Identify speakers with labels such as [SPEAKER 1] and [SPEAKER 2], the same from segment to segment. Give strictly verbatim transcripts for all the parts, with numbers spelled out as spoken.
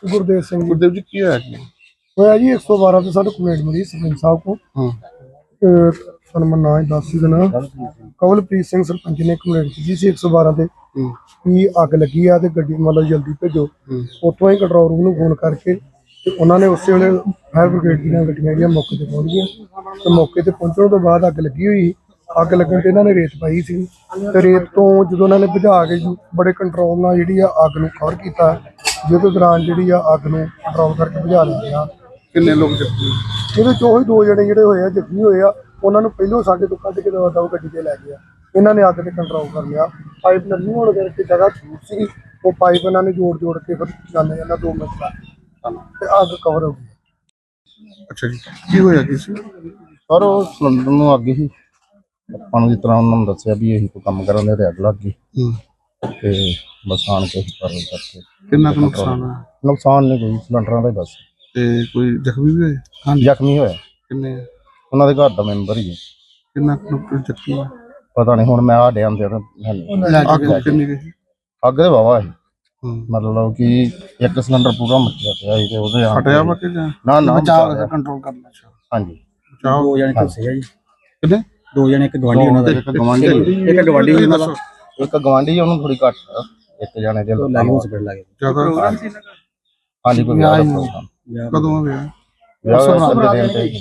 [SPEAKER 1] गुरदेव सिंह
[SPEAKER 2] गुरदेव जी की होया जी?
[SPEAKER 1] होया जी एक सौ बारह से साढ़े कंप्लेंट मिली सरपंच साहब को।
[SPEAKER 2] हाँ
[SPEAKER 1] सर मैं ना दस ही देना कवलप्रीत सिंह सरपंच ने कंप्लेंट की सी एक सौ बारह से कि अग लगी है तो गड्डी मतलब जल्दी भेजो। उतों ही कंट्रोल रूम में फोन करके तो उन्होंने उस वे फायर ब्रिगेड दी गड्डियां जी मौके पर पहुँच गई। तो मौके पर पहुँचने तो बाद अग लगी हुई अग लगन तो इन्होंने रेत पाई सी ते रेत तो जो उन्होंने बुझा के बड़े कंट्रोल नाल जिहड़ी अग नूं कवर कीता जिस दौरान जिहड़ी अग नूं कंट्रोल करके बुझा लिया।
[SPEAKER 2] किन्ने लोग जख्मी?
[SPEAKER 1] ਇਹਦੇ ਚੋਂ ਹੀ ਦੋ ਜਣੇ ਜਿਹੜੇ ਹੋਏ ਆ ਜ਼ਖਮੀ ਹੋਏ ਆ ਉਹਨਾਂ ਨੂੰ ਪਹਿਲੋਂ ਸਾਡੇ ਤੋਂ ਕੱਢ ਕੇ ਦਵਾ ਦਵਾ ਗੱਡੀ ਤੇ ਲੈ ਗਿਆ। ਇਹਨਾਂ ਨੇ ਅੱਗ ਤੇ ਕੰਟਰੋਲ ਕਰ ਲਿਆ। ਪਾਈਪ ਨਰਮੀ ਹੋਣ ਕਰਕੇ ਜਗ੍ਹਾ ਛੂਟ ਸੀ ਉਹ ਪਾਈਪ ਇਹਨਾਂ ਨੇ ਜੋੜ ਜੋੜ ਕੇ ਫਿਰ ਜਾਂਦੇ ਜਾਂਦਾ ਦੋ ਮਿੰਟ ਬਾਅਦ ਤੇ ਅੱਗ ਕਵਰ ਹੋ ਗਈ।
[SPEAKER 2] ਅੱਛਾ ਜੀ ਕੀ ਹੋਇਆ ਕੀ ਸੀ?
[SPEAKER 3] ਸਰ ਉਹ ਸਿਲੰਡਰ ਨੂੰ ਅੱਗ ਹੀ ਆਪਾਂ ਨੂੰ ਜਿਸ ਤਰ੍ਹਾਂ ਉਹਨਾਂ ਨੂੰ ਦੱਸਿਆ ਵੀ ਇਹੀ ਕੋਈ ਕੰਮ ਕਰਨ ਦੇ ਤੇ ਅੱਗ ਲੱਗ ਗਈ ਤੇ ਬਸ ਆਣ ਕੇ ਕਰਨ ਕਰਕੇ।
[SPEAKER 2] ਕਿੰਨਾ ਕੁ ਨੁਕਸਾਨ ਹੋਇਆ?
[SPEAKER 3] ਨੁਕਸਾਨ ਨਹੀਂ ਕੋਈ ਸਿਲੰਡਰਾਂ ਦਾ ਹੀ ਬਸ।
[SPEAKER 2] ਤੇ ਕੋਈ ਜ਼ਖਮੀ ਵੀ ਹੋਏ?
[SPEAKER 3] ਹਾਂ ਜ਼ਖਮੀ ਹੋਇਆ
[SPEAKER 2] ਕਿੰਨੇ?
[SPEAKER 3] ਉਹਨਾਂ ਦੇ ਘਰ ਦਾ ਮੈਂਬਰ ਹੀ ਹੈ।
[SPEAKER 2] ਕਿੰਨਾ ਕੁ ਜ਼ਖਮੀ ਹੋਇਆ?
[SPEAKER 3] ਪਤਾ ਨਹੀਂ ਹੁਣ ਮੈਂ ਆ ਡਿਆਂ ਤੇ
[SPEAKER 2] ਅੱਗ ਕਿੰਨੀ ਗਈ?
[SPEAKER 3] ਅੱਗ ਦੇ ਵਾਵਾ ਸੀ ਮਤਲਬ ਕਿ ਇੱਕ ਸਿਲੰਡਰ ਪੂਰਾ ਮੱਚਿਆ ਪਿਆ ਸੀ ਤੇ ਉਹਦੇ ਆ
[SPEAKER 2] ਫਟਿਆ ਵਾ ਕਿ ਜਾਂ
[SPEAKER 3] ਨਾ ਨਾ
[SPEAKER 2] ਬਚਾਅ ਕੰਟਰੋਲ ਕਰਨਾ?
[SPEAKER 3] ਹਾਂਜੀ
[SPEAKER 2] ਦੋ
[SPEAKER 4] ਜਣੇ ਝੁੱਸੇ ਆ ਜੀ।
[SPEAKER 2] ਕਿੰਨੇ?
[SPEAKER 4] ਦੋ ਜਣੇ ਇੱਕ ਗਵਾਂਢੀ ਉਹਨਾਂ ਦਾ
[SPEAKER 3] ਇੱਕ ਗਵਾਂਢੀ
[SPEAKER 4] ਇੱਕ ਗਵਾਂਢੀ ਉਹਨਾਂ ਦਾ
[SPEAKER 3] ਇੱਕ ਗਵਾਂਢੀ ਉਹਨੂੰ ਥੋੜੀ ਘੱਟ ਇੱਕ ਜਣੇ ਦੇ
[SPEAKER 4] ਲਾਗੇ ਹਸਪੀਟਲ ਲੱਗੇ।
[SPEAKER 2] ਜ਼ਿਆਦਾ
[SPEAKER 3] ਹਾਂਜੀ ਕੋਈ ਵਿਆਹ ਦਾ ਪ੍ਰੋਗਰਾਮ।
[SPEAKER 2] ਕਦੋਂ ਵਿਆਹ?
[SPEAKER 3] ਵਿਆਹ ਦੇ ਦਿਨ ਤੇ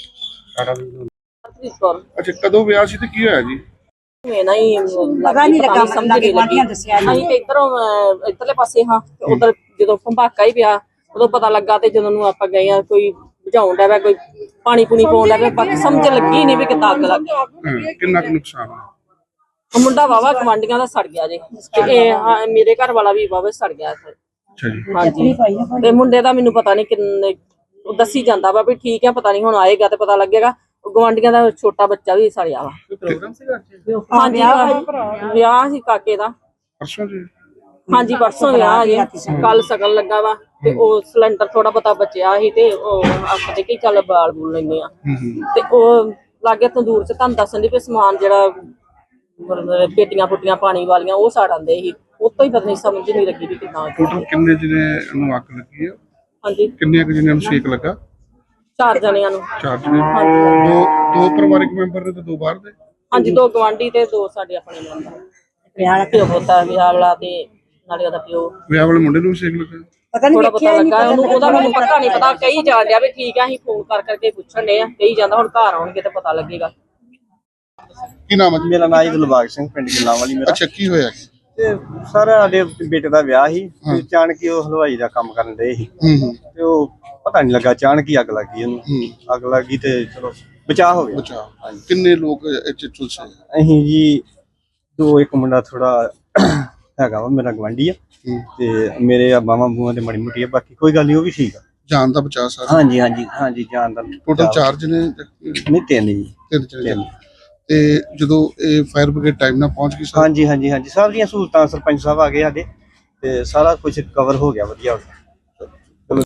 [SPEAKER 2] ਅੱਛਾ ਕਦੋਂ ਵਿਆਹ ਸੀ ਤੇ ਕੀ ਹੋਇਆ ਜੀ?
[SPEAKER 5] ਮੈਂ ਨਾ ਹੀ ਪਤਾ ਨਹੀਂ ਲੱਗਾ ਸਮਝ ਨਹੀਂ ਲੱਗੀ। ਅਸੀਂ ਤੇ ਇਧਰੋਂ ਇਧਰਲੇ ਪਾਸੇ ਹਾਂ ਤੇ ਉਧਰ ਜਦੋਂ ਭੰਬਾਕਾ ਹੀ ਪਿਆ ਉਦੋਂ ਪਤਾ ਲੱਗਾ ਤੇ ਜਦੋਂ ਨੂੰ ਆਪਾਂ ਗਏ ਆ ਕੋਈ ਬੁਝਾਉਣ ਦਾ ਵਾ ਕੋਈ ਪਾਣੀ ਪੂਣੀ ਪਾਉਣ ਦਾ ਬਾਕੀ ਸਮਝ ਲੱਗੀ ਨਹੀਂ ਵੀ ਕਿੱਦਾਂ ਅੱਗ ਲੱਗ ਗਈ।
[SPEAKER 2] ਕਿੰਨਾ ਕੁ ਨੁਕਸਾਨ ਹੋਇਆ?
[SPEAKER 5] ਮੁੰਡਾ ਵਾਵਾ ਗਵਾਂਢੀਆਂ ਦਾ ਸੜ ਗਿਆ ਜੇ ਤੇ ਇਹ ਮੇਰੇ ਘਰ ਵਾਲਾ ਵੀ ਵਾਵਾ ਸੜ ਗਿਆ।
[SPEAKER 2] ਅੱਛਾ ਜੀ
[SPEAKER 5] ਹਾਂਜੀ ਤੇ ਮੁੰਡੇ ਦਾ ਮੈਨੂੰ ਪਤਾ ਨਹੀਂ ਕਿੰਨੇ ਦੱਸੀ ਜਾਂਦਾ ਵਾ ਵੀ ਠੀਕ ਆ ਪਤਾ ਨਹੀਂ ਹੁਣ ਆਏਗਾ ਤੇ ਪਤਾ ਲੱਗੇਗਾ। ਗਵਾਂਢੀਆਂ ਦਾ ਛੋਟਾ ਬੱਚਾ ਵੀ ਸੜਿਆ ਵਾ। ਹਾਂਜੀ ਵਿਆਹ ਸੀ ਕਾਕੇ ਦਾ
[SPEAKER 2] ਪਰਸੋਂ ਜੀ?
[SPEAKER 5] ਹਾਂਜੀ ਪਰਸੋਂ ਵਿਆਹ ਜੇ ਕੱਲ ਸ਼ਗਨ ਲੱਗਾ ਵਾ ਤੇ ਉਹ ਸਿਲੰਡਰ ਥੋੜਾ ਬਹੁਤਾ ਬਚਿਆ ਸੀ ਤੇ ਉਹ ਆਪਾਂ ਤੇ ਕੀ ਚੱਲ ਬਾਲ ਬੂਲ ਲੈਂਦੇ ਆ ਤੇ ਉਹ ਲਾਗੇ ਤੰਦੂਰ ਚ ਤੁਹਾਨੂੰ ਦੱਸਣ ਦੀ ਵੀ ਸਮਾਨ ਜਿਹੜਾ ਪੇਟੀਆਂ ਪੁੱਟੀਆਂ ਪਾਣੀ ਵਾਲੀਆਂ ਉਹ ਸਾੜ ਆਂਦੇ ਸੀ। ਉਤੋਂ ਹੀ ਪਤਾ ਨਹੀਂ ਸਮਝ ਨਹੀਂ ਲੱਗੀ ਵੀ ਕਿੰਨਾ
[SPEAKER 2] ਟੋਟਲ ਕਿੰਨੇ ਜਿਹਨੇ ਨੂੰ ਅੱਗ ਲੱਗੀ ਆ?
[SPEAKER 5] ਹਾਂਜੀ
[SPEAKER 2] ਕਿੰਨੇ ਕੁ ਜਿਹਨਾਂ ਨੂੰ ਸੇਕ ਲੱਗਾ?
[SPEAKER 5] ਚਾਰ ਜਣਿਆਂ ਨੂੰ।
[SPEAKER 2] ਚਾਰ ਜਣੇ? ਦੋ ਦੋ ਪਰਿਵਾਰਕ ਮੈਂਬਰ ਨੇ ਤੇ ਦੋ ਬਾਹਰ ਦੇ?
[SPEAKER 5] ਹਾਂਜੀ ਦੋ ਗਵਾਂਢੀ ਤੇ ਦੋ ਸਾਡੇ ਆਪਣੇ ਮੈਂਬਰ। ਵਿਆਹ ਵਾਲਾ ਪਿਓ ਪੁੱਤਾ ਵਿਆਹ ਵਾਲਾ ਤੇ ਨਾਲੇ ਉਹਦਾ ਪਿਓ।
[SPEAKER 2] ਵਿਆਹ ਵਾਲੇ ਮੁੰਡੇ ਨੂੰ ਵੀ ਸੇਕ ਲੱਗਾ?
[SPEAKER 5] ਪਤਾ ਨਹੀਂ ਪਤਾ ਲੱਗਾ ਉਹਨੂੰ ਉਹਦਾ ਮੈਨੂੰ ਪਤਾ ਨਹੀਂ ਪਤਾ ਕਹੀ ਜਾਣ ਡਿਆ ਵੀ ਠੀਕ ਆ ਅਸੀਂ ਫੋਨ ਕਰ ਕਰਕੇ ਪੁੱਛਣ ਦੇ ਆ ਕਹੀ ਜਾਂਦਾ ਹੁਣ ਘਰ ਆਉਣਗੇ ਤੇ ਪਤਾ ਲੱਗੇਗਾ।
[SPEAKER 2] ਕੀ ਨਾਮ ਹੈ?
[SPEAKER 4] ਮੇਰਾ ਨਾਮ ਜੀ ਦਿਲਬਾਗ ਸਿੰਘ ਪਿੰਡ ਗਿੱਲਾਂ ਵਾਲੀ ਮੇਰਾ।
[SPEAKER 2] ਅੱਛਾ ਕੀ ਹੋਇਆ?
[SPEAKER 4] ਤੇ ਸਰ ਸਾਡੇ ਬੇਟੇ ਦਾ ਵਿਆਹ ਸੀ ਤੇ ਅਚਾਨਕ ਹੀ ਉਹ ਹਲਵਾਈ ਦਾ ਕੰਮ ਕਰਨ ਦੇ ਸੀ ਤੇ ਉਹ ਪਤਾ ਨਹੀਂ ਲੱਗਾ ਅਚਾਨਕ ਹੀ ਅੱਗ ਲੱਗ ਗਈ ਉਹਨੂੰ। ਅੱਗ ਲੱਗ ਗਈ ਤੇ ਚਲੋ ਬਚਾਅ ਹੋ ਗਿਆ।
[SPEAKER 2] ਬਚਾਅ। ਕਿੰਨੇ ਲੋਕ ਇੱਥੇ ਝੁਲਸੇ?
[SPEAKER 4] ਅਸੀਂ ਜੀ ਦੋ ਇੱਕ ਮੁੰਡਾ ਥੋੜਾ ਹੈਗਾ ਵਾ ਮੇਰਾ ਗਵਾਂਢੀ ਆ ਤੇ ਮੇਰੇ ਆ ਬਾਵਾਂ ਬੂਆਂ ਤੇ ਮਾੜੀ ਮੋਟੀ ਆ ਬਾਕੀ ਕੋਈ ਗੱਲ ਨਹੀਂ ਉਹ ਵੀ ਠੀਕ ਆ।
[SPEAKER 2] ਜਾਨ ਦਾ ਬਚਾਅ ਸਾਰਾ?
[SPEAKER 4] ਹਾਂਜੀ ਹਾਂਜੀ ਹਾਂਜੀ ਜਾਨ ਦਾ
[SPEAKER 2] ਟੋਟਲ ਚਾਰ ਜਣੇ?
[SPEAKER 4] ਨਹੀਂ ਤਿੰਨ ਜੀ।
[SPEAKER 2] ਤਿੰਨ ਜਣੇ। ਤੇ ਜਦੋਂ ਇਹ ਫਾਇਰ ਬ੍ਰਿਗੇਡ ਟਾਈਮ ਨਾਲ ਪਹੁੰਚ ਗਈ?
[SPEAKER 4] ਹਾਂਜੀ ਹਾਂਜੀ ਹਾਂਜੀ ਸਭ ਦੀਆਂ ਸਹੂਲਤਾਂ ਸਰਪੰਚ ਸਾਹਿਬ ਆ ਗਏ ਸਾਡੇ ਤੇ ਸਾਰਾ ਕੁਝ ਕਵਰ ਹੋ ਗਿਆ ਵਧੀਆ।